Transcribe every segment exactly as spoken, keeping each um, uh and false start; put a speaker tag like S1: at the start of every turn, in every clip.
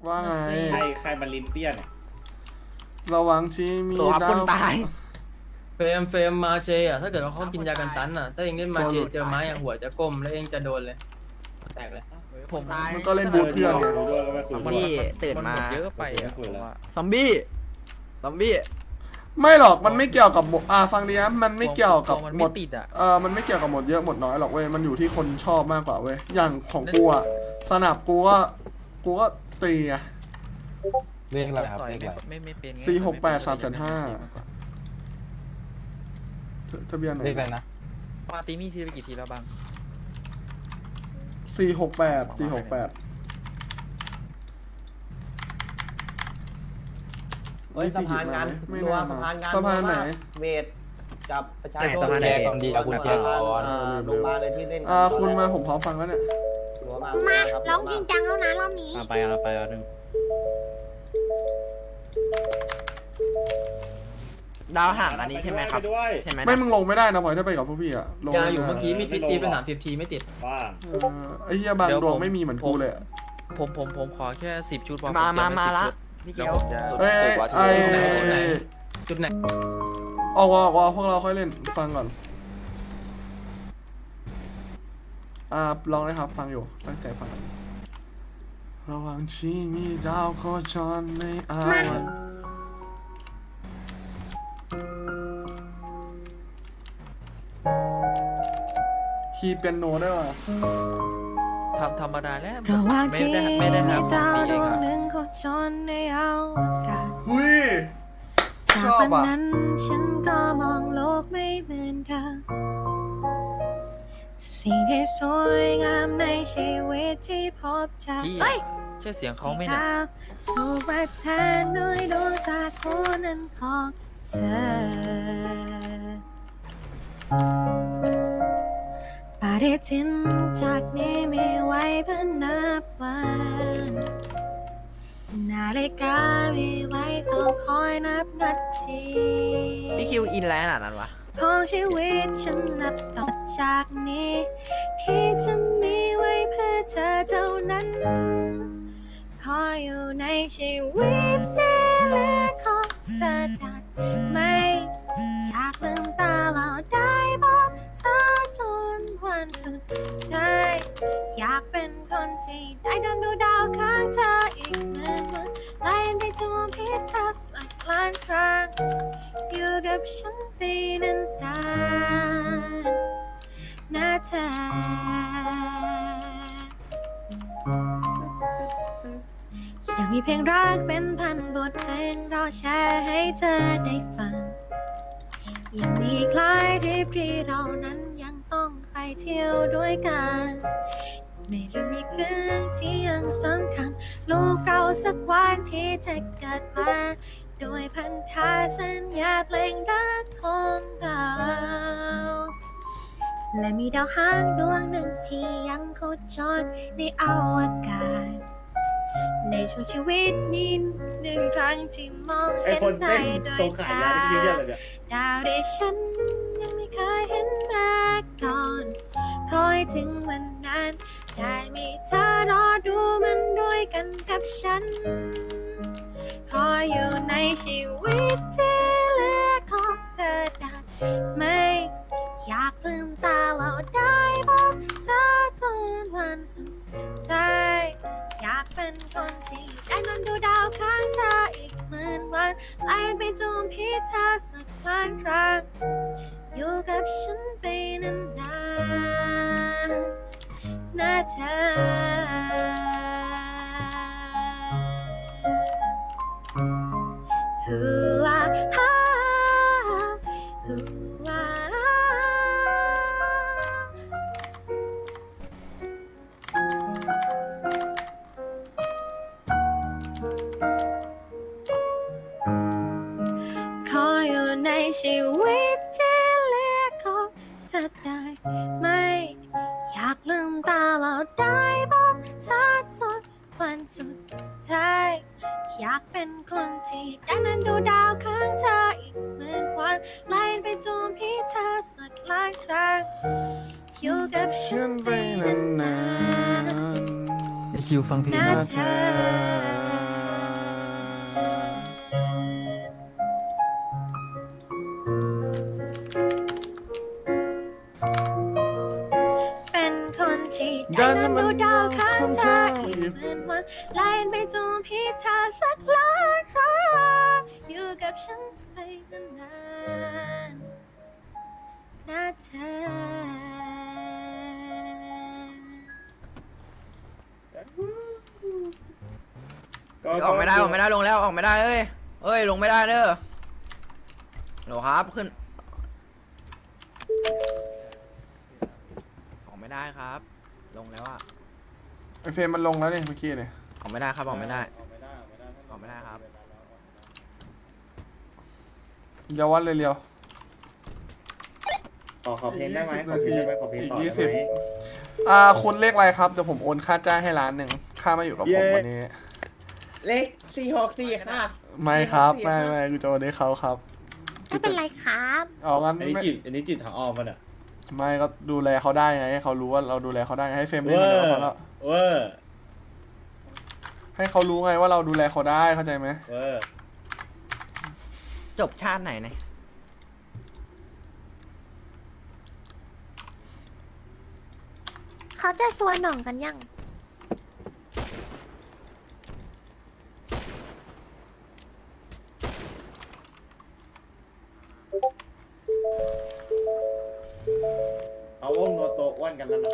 S1: ว่าไง
S2: ใครใครมันลิ้นเปี้ยน
S1: ระวังชีมี
S3: ตัวคนตาย
S4: เฟรมเฟรมมาเชอ่ะถ้าเกิดว่าเขากินยากันตันอ่ะถ้าเองเล่นมาเชเจอไม้อ่ะหัวจะก้มแล้วเองจะโดนเลยแตกเลยผม
S1: มันก็เล่นบูทเพื่อนไง
S2: รู้ด้วยก็ไม่คุย
S3: พี่ตื่นมา
S5: เยอะไปอ่ะ
S2: คุยแล้ว
S3: ซอมบี้ซอมบี้
S1: ไม่หรอกมันไม่เกี่ยวกับหมดอ่าฟังดีนะมันไม่เกี่ยวกับ
S5: มัน
S1: หม
S5: ไม่
S1: ด
S5: ติดอ่ะ
S1: เออมันไม่เกี่ยวกับหมดเยอะหมดน้อยหรอกเว้ยมันอยู่ที่คนชอบมากกว่าเว้ยอย่างของกูอะสนับกูก็กูก็ตีอะ
S6: เรียกอะไรครับ
S5: ต่อย
S6: เรียก
S5: ไม่
S6: อะไร
S5: ไม่ไม่เป็น
S1: สี่หกแปดสามแสนห้า ทะเบียนไหน
S6: เรียกอะไรนะ
S5: ปาตีมีทีไปกี่ทีแล้วบ้าง
S1: สี่หกแปดสี่หกแปด
S7: เฮ้ยสะพานงาน
S1: ไม่
S7: ตัว
S1: น่า
S7: สะพานงาน
S1: สะพานไหน
S7: เวทกับประชาชน
S3: ไหนสะพานไหน
S6: แยกความดีกับคุณเกียร์ก่อน
S7: อ่าลงมาเลยที่เล่น
S1: อ่าคุณมาผมพร้อมฟังแล้วเนี่ย
S7: หัวมา
S8: มา
S7: ครับ
S8: ร้องจริงจังแล้วนะรอบนี้
S2: ไปเอาไปเอาหนึ่ง
S3: ดาวห่างอันนี้ใช่ไหมครับ
S2: ปด้วย
S3: ใช่ไหม
S1: ไม่มึงลงไม่ได้นะพลอยถ้าไปกับพวกพี่อะลง
S4: ยา
S1: ไม่ได้
S4: อยู่เมื่อกี้มีดตีไปสามสิบทีไม่ติด
S2: บ้า
S1: เออไอ้เหี้ยบางดวงไม่มีเหมือนกูเลยอะ
S5: ผมผมผมขอแค่สิบชุดพอ
S3: มา
S5: ผ
S3: มา
S5: เตรีย
S3: มา
S5: ไว้
S3: ละ
S5: สิบชุด
S3: พี่เกียว
S1: เอ้ยไอ้
S4: จุดไหนจุดไหน
S1: ออกออกออกพวกเราค่อยเล่นฟังก่อนอ่าลองเลยครับฟังอยู่ตั้งใจฟังกันระหว่างที่มีดาวโคจรในอาวกาศคีย์เปียโนได้ป่ะ
S5: ทำธรรมดาแล้ว
S9: ระหว่าง
S5: ไม่
S9: ที่
S5: ได้
S9: มี
S5: ไม่ได้หาขอ
S9: ดาง ว
S5: ดี
S9: ด
S5: เอง
S9: วง
S5: ครับ
S9: หนึ่งโคจรในอวกาศ
S1: หุ้ย
S9: จาก
S1: ชอบ
S9: วัน
S1: อ่ะ
S9: นั้นฉันก็มองโลกไม่เหมือนเดิมสิ่งที่สวยงามในชีวิตที่พบเจอ
S5: พี่
S9: เอ้ย
S5: ใช่เสียงเขาไหมเนี่ย
S9: ดาวถูกมาแทนด้วยดวงตาคู่นั้นของเธอปฏิทินจากนี้มีไว้เพื่อนับวันนาฬิกามีไว้เฝ้าคอยนับนาที
S3: พี่คิวอินแล้วขนาดนั้นวะ
S9: ของชีวิตฉันนับต่อจากนี้ ที่จะมีไว้เพื่อเธอเท่านั้นขออยู่ในชีวิตที่เหลือของเธอได้ไหมอยากลืมตาเราได้พบเธอจนวันสุดท้ายอยากเป็นคนที่ได้เดินดูดาวข้างเธออีกเหมือนวันไล่ไปจวบพิษเธอสักล้านครั้งอยู่กับฉันไปนานๆนะเธอยังมีเพลงรักเป็นพันบทเพลงรอแชร์ให้เธอได้ฟังยังมีคล้ายทริปที่เรานั้นยังต้องไปเที่ยวด้วยกันไม่รู้มีเรื่องที่ยังสำคัญลูกเราสักวันที่จะเกิดมาโดยพันธะสัญญาเพลงรักของเราและมีดาวหางดวงหนึ่งที่ยังโคจรในอวกาศในช่วงชีวิตมีหนึ่งครั้งที่มอง
S2: ไอ้
S9: เห็น
S2: คน
S9: ได้
S2: เต้น
S9: โด
S2: ตร
S9: ย
S2: งขาย
S9: ตาย
S2: าที่เยอะเลยเนี่ย
S9: ดาวที่ฉันยังไม่เคยเห็นมาก่อนคอยถึงวันนั้นได้มีเธอรอดูมันด้วยกันกับฉันขออยู่ในชีวิตที่เหลือของเธอได้ไหมอยากลืมตาเราได้พบเธอจนวันสุดท้ายอยากเป็นคนที่ได้นอนดูดาวข้างเธออีกหมื่นวันไล่ไปจมพิษเธอสักล้านครั้งอยู่กับฉันไปนานๆนะเธอฮูอาฮาฮูอาขออยู่ในชีวิตที่เหลือของเธอได้ไหมอยากลืมตาเราได้พบเธอจนวันสุดท้ายอยากเป็นคนที่ได้นั้นดูดาวข้างเธออีกหมื่นวันไล่ไปจมพิษเธอสักล้านครั้งอยู่กับฉั
S1: เชื่อน น
S9: ไป
S1: ไป
S9: นาน
S1: าน
S9: น
S4: ไอคิวฟังเพลง
S9: ๆนะเธอดาวข้างเธออีกหมื่นวันไล่ไปจนพิธาสักล้านครั้งอยู่กับฉันไปนานๆนะเธอ
S3: ออกไม่ได้ออกไม่ได้ลงแล้วออกไม่ได้เอ้ยเอ้ยลงไม่ได้เด้อโหลครับขึ้นออกไม่ได้ครับ ลงแล้วอะ
S1: ไอเฟรมมันลงแล้วเนี่ยเมื่อกี้เนี่ย
S3: ออกไม่ได้ครับออกไม่ได้
S2: ออกไม่ได้ออกไม่ได้
S3: ออกไม่ได้ครับ
S1: อย่าวัดเลยเรียว
S2: ขอขอเพลงได้ไหมขอเพลงได้ไหมขอเพลงต่อได้ไหม
S1: อ่าคุณเลขอะไรครับเดี๋ยวผมโอนค่าจ้างให้ล้านหนึ่งค่ามาอยู่กับผมวันนี้
S2: เลขสี่หกสี่ค่ะ
S1: ไม่ครับไม่ไม่กูจะโอนให้เขาครับ
S9: ไม่เป็นไรครับ
S1: เอางั้น
S2: อันนี้
S1: ไม่
S2: จิตอันนี้จิตทางอ้อมมันอ่ะ
S1: ไม่ก็ดูแลเขาได้ไงให้เขารู้ว่าเราดูแลเขาได้ไงให้เฟรม
S2: เว
S1: เล่น
S2: อ
S1: มา
S2: ร์
S1: เดี๋ยวเขาแล้ว
S2: เวอร์
S1: ให้เขารู้ไงว่าเราดูแลเขาได้เข้าใจไหม
S2: เวอร์
S3: จบชาติไหนเนี่ย
S9: เขาจะสวนหน่องกันยัง
S2: เอาวงโนโตอ้วนกันแล้วนะ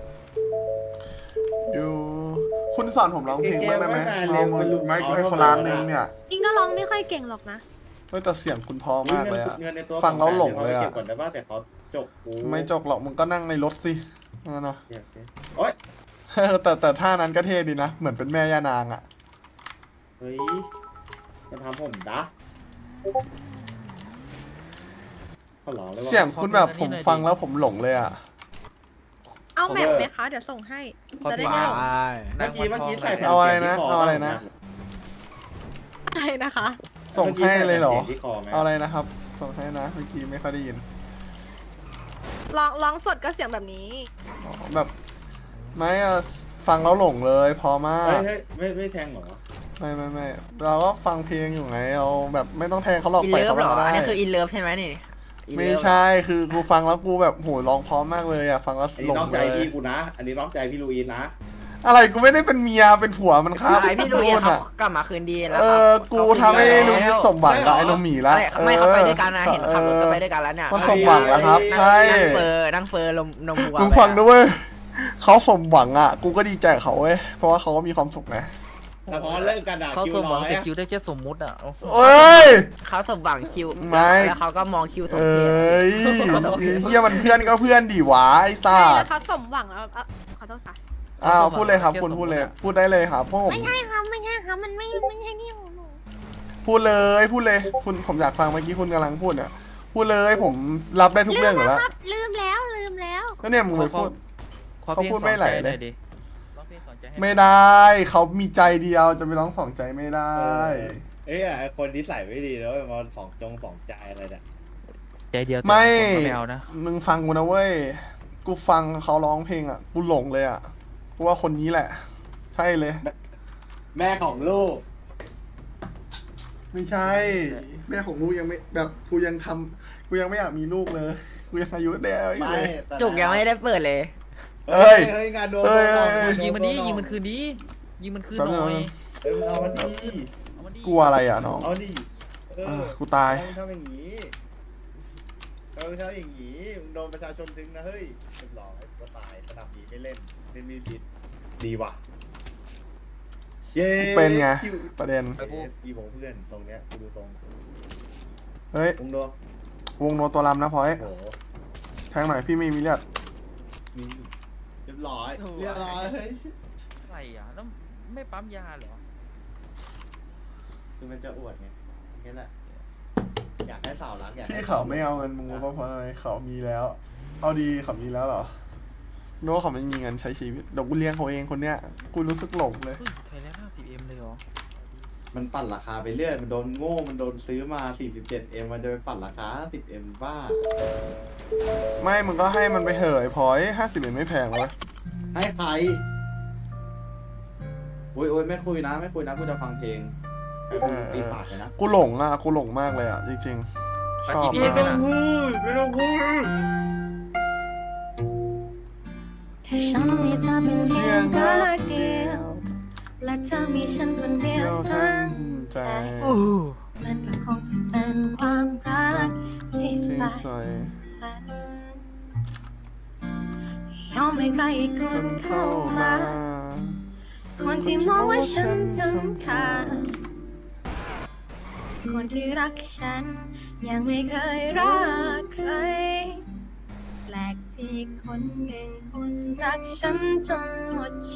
S1: ดูคุณสอนผมร้องเพลงบ้างได้ไหม
S2: เกมไม่
S1: เรา
S2: มาเรียน
S1: ไม่
S2: เอา
S1: ไม่
S2: เอา
S1: คนล้านหนึง
S2: เอา
S1: เนี่ย
S9: อิงก็ร้องไม่ค่อยเก่งหรอกนะ
S1: เฮ้ยแต่เสียงคุณพอมากเลยอะ
S2: เงินในตัว
S1: ฟังแล้วหลงเลย
S2: เก็
S1: อะ
S2: บก่อนได้ป่ะแต่เขาจบกู
S1: ไม่จกหรอกมึงก็นั่งในรถสินั่นนะ
S2: โอเคโอ๊ย
S1: แต่แต่ท่านั้นก็เท่ดีนะ เหมือนเป็นแม่ย่านางอะ
S2: เฮ้ยจะทำผมดะเขาหลอกเลยว่า
S1: เสียงคุณแบบผมฟังแล้วผมหลงเลยอะ
S9: เอาแมปไหมคะ เดี๋ยวส่งให้ จะได้ไม่หลง
S2: เมื่อกี้เมื่อกี้ใส่แผ่น
S1: เอาอะไรนะ
S2: สียงที่ค
S1: เอาอะไรนะ
S9: อะไรนะคะ
S1: ส่งให้เลยเหรอ
S2: มื่กี้ใส่แผ่นสียงที่คอไหม
S1: เอาอะไรนะครับ ส่งให้นะเมื่อกี้ไม่ค่อยได้ยิน
S9: ร้องร้องสดก็เสียงแบบนี้
S1: อ๋อแบบไม่อะฟังแล้วหลงเลยพอมาก
S2: เฮ้ยเฮ้ยไม่ไม่แทงเหรอ
S1: ไม่ไม่ไม่เราก็ฟังเพลงอยู่ไงเราแบบไม่ต้องแทงเขาหรอก
S3: อิน
S1: ปล่อย
S3: เลิฟ
S1: เขา
S3: เหรอ
S1: ไปก็ได้
S3: อันนี้คืออินเลิฟใช่ไหมนี่ In
S1: ไม่
S3: Love
S1: ใช่คือกูฟังแล้วกูแบบโหร้องพร้อมมากเลยอะฟังแล้ว
S2: อัน
S1: หล
S2: นี้
S1: ง
S2: น้องใจ
S1: เลย
S2: พี่กูนะ อันนี้น้องใจพี่ลูอินนะ
S1: อะไรกูไม่ได้เป็นเมียเป็นผัวมันครับ
S3: ไอพี่ลุย
S1: พูด
S3: เขา
S1: อะ
S3: กลับมาคืนดีแล้ว
S1: เอ
S3: ครับ
S1: อกูทำให้ลุยสมหวังกับไอ้นมหมีละ
S3: อะไรไม่เขาไปด้วยกันนะเห็นขับรถก็ไปด้วยกันแล้วเนี่ย
S1: มันสมหวังแล้วครับ ใช่
S3: นั่งเฟอร์นั่งเฟอร์ลมนมวัว
S1: มึงฟังด้วยเขาสมหวังอ่ะ กูก็ดีใจกับเขาเว้ยเพราะว่าเขาก็มีความสุขนะ
S2: แต่พอเลิกกันด่า
S5: เขา
S2: คิว
S5: สมห
S2: ร้
S5: วั
S2: อง ย
S5: แต่
S2: อะ
S5: คิวได้แค่สมมุติอ่ะ
S1: เอ้ย
S3: เขาสมหวังคิว
S1: ไม่
S3: แล้วเขาก็มองคิวสม
S1: เอ
S3: เพช้
S1: ยเฮียมันเพื่อนก็เพื่อนดีหวะไอ้ตา
S9: ใช่แล้วเขาสมหวังแล้วอ่ะขอโทษค่ะ
S1: อ้าวพูดเลยครับคุณพูดเลยพูดได้เลยครับพวกผม
S9: ไม่ใช่ครับไม่ใช่ครับมันไม่ไม่ใช่ที่ของหนู
S1: พูดเลยพูดเลยคุณผมอยากฟังเมื่อกี้คุณกำลังพูดเนี่ยพูดเลยผมรับได้ทุกเรื่องอยู่แล้ว
S9: ครับ ลืมแล้วลืมแล้ว
S1: แล้วเนี่ยมึงไปพูด
S5: ขอ
S1: เขา
S5: เพลง
S1: พูด
S5: สอ
S1: ไม่
S5: น
S1: ไหล
S5: ใจ
S1: เลย
S5: หน่อยดิร้องเพลงสอนใจให้
S1: ไม่ได้เขามีใจเดียวจะไปร้องสองใจไม่ได้
S2: เอ้ยไอคนนิสัยไม่ดีแล้วมาสองจงสองใจอะไรเนี่ย
S5: ใจเดียวแต่
S1: ไม่
S5: ผมก็ไม่เอานะ
S1: มึงฟังกูนะเว้ยกูฟังเขาร้องเพลงอ่ะกูหลงเลยอ่ะกูว่าคนนี้แหละ ใช่เลย
S2: แม่ของลูก
S1: ไม่ใช่ แม่ของลูกยังไม่แบบกูยังทำกูยังไม่อยากมีลูกเลยกูยังอายุเด็กอยู่
S2: ไม่
S1: เลย
S3: จุกยังไม่ได้เปิดเลย
S1: เอ้ย
S2: เฮ้ยงานโดน
S1: เอ้ย
S2: โดน
S1: เอ้ย
S2: โด
S5: ยิงมันดี
S2: โด
S5: ยิงมันคืนดียิงมันคืน
S1: แป๊บ
S5: ห
S1: นึ
S5: น่
S1: ง
S5: อย
S2: เอ้ยมึงเอามันดี
S5: เอามันดี
S1: กลัวอะไรอ่ะน้อง
S2: เอาดิเอ
S1: อ่ะ
S2: อ
S1: กูตาย
S2: ทำอย่างนี้ทำทำอย่างนี้มึงโดนประชาชนดึงนะเฮ้ยเรียบร้อยก็ตายสนามนี้ไม่เล่นเล่นมีผิดดีว่ะเย้
S1: เป็นไง
S2: คิว
S1: ประเด็น
S2: ไอ้พวกอีของเพื่อนตรงเนี้ยกูดูทรง
S1: เฮ้ย
S2: มึงดู
S1: วงโนตัวลำนะพอย
S2: โอ้โห
S1: แทงหน่อยพี่ไม่มีเลือด
S2: นี่เรียบร้อยเรียบร้อยเฮ้ย
S5: อะไรอ่ะแล้วไม่ปั๊มยาเหรอ
S2: คือมันจะอวดไงแค่นั้นแหละอยากให้สาวรักอยากให้
S1: ที่เขาไม่เอาเงินมึงรู้ป่ะเพราะอะไรเขามีแล้ว เอาดีเขามีแล้วเหรอรู้ว่าเขาไม่มีเงินใช้ชีวิตเดี๋ยวกูเลี้ยงเขาเองคนเนี้ยกูรู้สึกหลงเลย
S5: เฮ้ยไทยแลนด์ห้าสิบเอ็มเลยเหรอ
S2: มันปั่นราคาไปเรื่อยมันโดนโง่มันโดนซื้อมา สี่สิบเจ็ดเอ็ม มันจะไปปั่นราคา สิบเอ็ม บ้า
S1: ไม่มึงก็ให้มันไปเหอะไอ้พอยห้าสิบเอ็ดไม่แพงเลย
S2: ให้ใครโอ้ยโอ้ยไม่คุยนะ ไม่คุยนะกูจะฟังเพลงไอ้พวกมึงตีปากเลยนะ
S1: กูหลงอ่ะกูหลงมากเลยอ่ะจริงๆชอบ
S5: ไม่
S1: มาก
S5: ต้องพู
S2: ดไม่ต้องพูด
S9: ถ้าฉันมีเธอเป็นเพียงรักเดียวและเธอมีฉันคนเดียวทั้งใจ มันก็คงจะเป็นความรักที่
S1: ที่
S9: ใฝ่
S1: สวย
S9: ฝันยอมให้ใครอีกค
S1: คน
S9: น
S1: เข้า
S9: เข้า
S1: มา
S9: มา คนที่มองว่าฉันสำคัญ คนที่รักฉัน ยังไม่เคยรักใคร แปลกที่คนหนึ่งคนรักฉันจนหมดใจ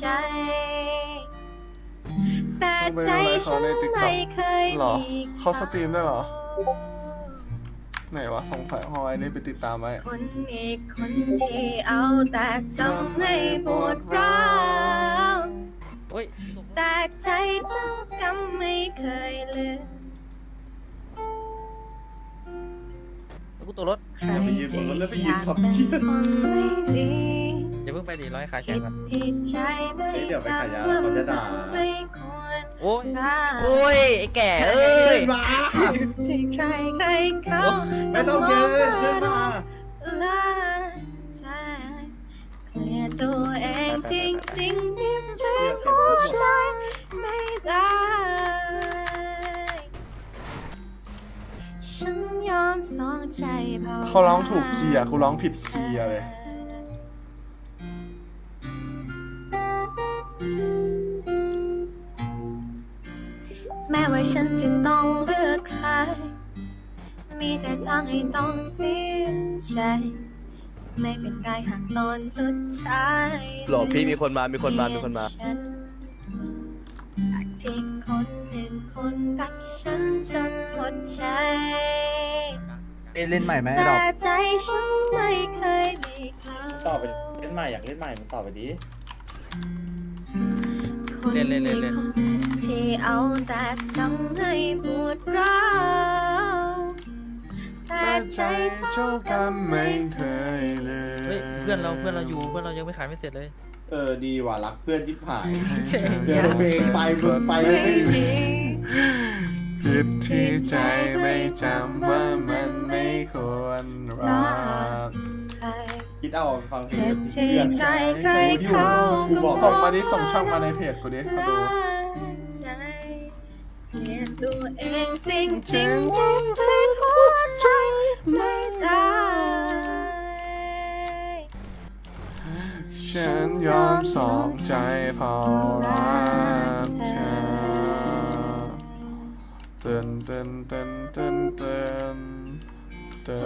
S9: แต่ใจฉันไม่เคย
S1: หรอ
S9: มี
S1: เขาสตรีมด้วยเหรอ ไหนวะสงสัยฮอยได้ไปติดตามไว้
S9: คนอีกคนที่เอาแต่ทำให้ปวดร้าว
S5: โอ้ย
S9: แต่ใจเจ้ากรรมไม่เคยลืม
S5: แล้วกูตัวรถ
S9: ใครจะอยากเป็นคนไม่ดี
S5: อย่าเพิ่งไปดิร้อยขายแข่
S9: ผิ
S5: ง
S9: ด
S5: กัน
S9: ที่ใจไม่
S2: เฮ้ยเดี๋ยวไปขายยา
S9: จำว่า
S2: เขาจะด่า
S9: ไม่ควร
S5: โอ้ย
S9: รัก
S3: โอ้ย ไอ้แก่เอ้ย
S2: มา
S9: ที่ใครใครเขา
S2: ไม่ต้องเยินขึ้นมา
S9: ละใจเคลียร์ตัวเองจริงๆที่เป็นหัวใจไม่ได้ ฉันยอมสองใจพอ
S1: เขาร้องถูกคีย์อะกูร้องผิดคีย์อะเลย
S9: แม้ว่าฉันจะต้องเลือกใคร มีแต่ทางให้ต้องเสียใจ ไม่เป็นไรหากตอนสุดท้าย
S8: หลบพี่มีคนมามีคนมามีคนมา
S9: ฉันหากที่คนหนึ่งคนรักฉันจนหมดใจ
S6: เล่นใหม่ไหม
S9: แต่ใจฉันไม่เคยมีเขา
S2: ต่อไปเล่นใหม่อยากเล่นใหม่มึงต่อไปดิ
S9: คนนี้คนที่เอาแต่ทำให้ปวดร้าวแต่
S1: แต่
S9: ใจ
S1: ใจ
S9: เจ้า
S1: เจ้ากรรมไม่เคยเลย
S5: เฮ้ยเพื่อนเราเพื่อนเราอยู่เพื่อนเรายังไม่ขายไม่เสร็จเลย
S2: เออดีว่ะรักเพื่อนที่ผาย
S1: เดี๋
S2: เดี๋ยวเพลงไปมึงไป
S9: ไม่
S2: ไม่
S9: ดี
S1: ผิดที่ใจไม่จำว่ามันไม่ควรรัก
S9: ใคร
S2: คิดเอาฟังเพล
S9: เจ็
S2: ง
S9: บที่ใครใครเขาก็
S1: ส่งมาดิส่งช่องมาในเพจกูดิมาดู
S9: ใจเปลี่ยนตัวเองจริงจริงๆที่เป็นหัวใจไม่ได้
S1: ฉันยอมสองใจเพอรักเธอเต้นเต้นเต้นเต้นเต้นเต้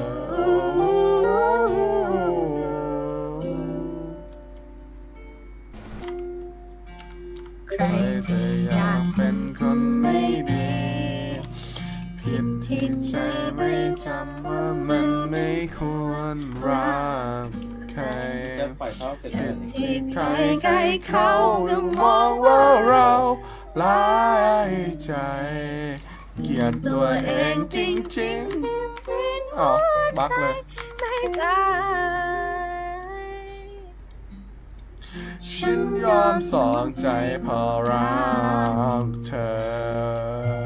S1: น ใครจะอยากเป็นคนไม่ดี ผิดที่ใจไม่จำว่ามันไม่ควรรักใคร
S2: จะปล่อยเขาเสร็จ
S9: เจ็
S2: เล
S9: บ
S2: ย
S9: ที่ใค
S1: ใค
S9: ร
S1: ร
S9: ใครเขาก็
S1: ก็
S9: ม
S1: ม
S9: อ
S1: อง ง
S9: ว่า
S1: ว่า
S9: เรา
S1: เราร้ายใจ เกลียดตัวเองจริงๆอ๋อบักเลย
S9: ไม่ได้
S1: ฉันยอมสองใจเพอรักเธอ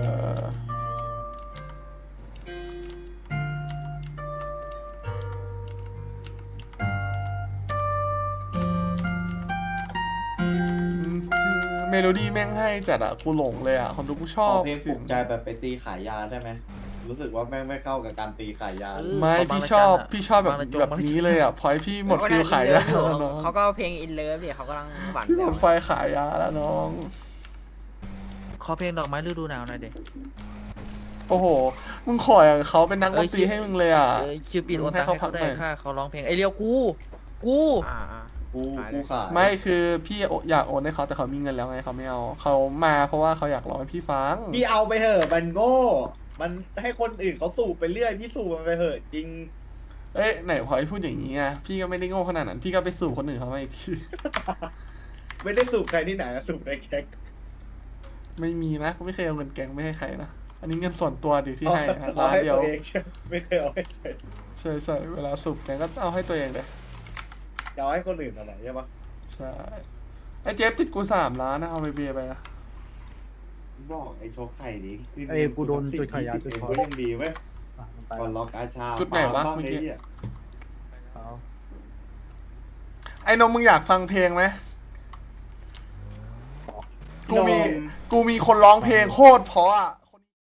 S1: เมโลดี้แม่งให้จัดอะกูหลงเลยอะคนดูกูช
S2: ข
S1: อ
S2: อบ เพลงปลุกใจแบบไปตีขายยาได้ไหมรู้สึกว่าแม่งไม่เข้ากับการตีขายยา
S1: ไม่
S5: บาง
S1: พี่
S5: ราย
S1: ชอบ
S5: การอะ
S1: พี่ชอบแบบ
S5: บางรายการ
S1: แบบนี้เลยอะพอยพี่หมดฟิลขายยาแล้วน้อง
S3: เขาก็เพลงอินเลิฟดิเขากำลังหวาน
S1: ห
S3: แบ
S1: ม
S3: ว
S1: ดไฟขายยาแล้วน้อง
S5: ขอเพลงดอกไม้ฤดูหนาวหน่อยเด็ก
S1: โอ้โห มึงขออย่างเขาเป็นนักดนตรีให้มึงเลยอะ
S5: เออคิวปิดโอน
S1: ให้
S5: ตังค์
S1: เขา
S5: ให้
S1: พั
S5: เขา
S1: ก
S5: ได้
S1: หน่อย
S5: ค่าเขาร้องเพลงไอเรียวกู กู
S3: อ่าอ่า
S2: กูกูขาย
S1: ไม่คือพี่อยากโอนให้เขาแต่เขามีเงินแล้วไงเขาไม่เอาเขามาเพราะว่าเขาอยากร้องให้พี่ฟัง
S2: พี่เอาไปเถอะมันโง่ มันให้คนอื่นเขาสูบไปเรื่อยพี่สูบมันไปเถอะจริง
S1: เอ้ยไหนพอยพูดอย่างนี้ไงพี่ก็ไม่ได้โง่ขนาดนั้น พี่ก็ไปสู่คนอื่นเขามาอีกที
S2: ไม่ได้สูบใครที่ไหนนะสูบในแก๊ง
S1: ไม่มีนะกูไม่เคยเอาเงินแกงไม่ให้ใครนะอันนี้เงินส่วนตัวดิที่ให้นะ
S2: เอา
S1: ร้าน
S2: ให้
S1: เดียว
S2: ตัวเองใช่ไม่เคยเอาให้ใคร
S1: ใช่ใช่เวลาสูบแกงก็เอาให้ตัวเองเลย
S2: จะเอาให้คนอื่นอะไรใช่ปะ
S1: ใช่ไอ้เจฟติดกูสามล้านนะเอาไปเบียร์ไปนะ
S2: บอกไอ้โชคไข่ดิ
S6: เอ้ยกูโดนจุดขายยาจุดคอ
S2: ก็ยังดีเว้ยก่อนล็อกอาชา
S1: จุดไหนวะ
S2: ปาล์ม
S1: เมื่อกี้
S2: ไหี้ย
S1: ไอ้นมมึงอยากฟังเพลงไหมกูมีกูมีคนร้องเพลงโคตรเพราะอ่ะ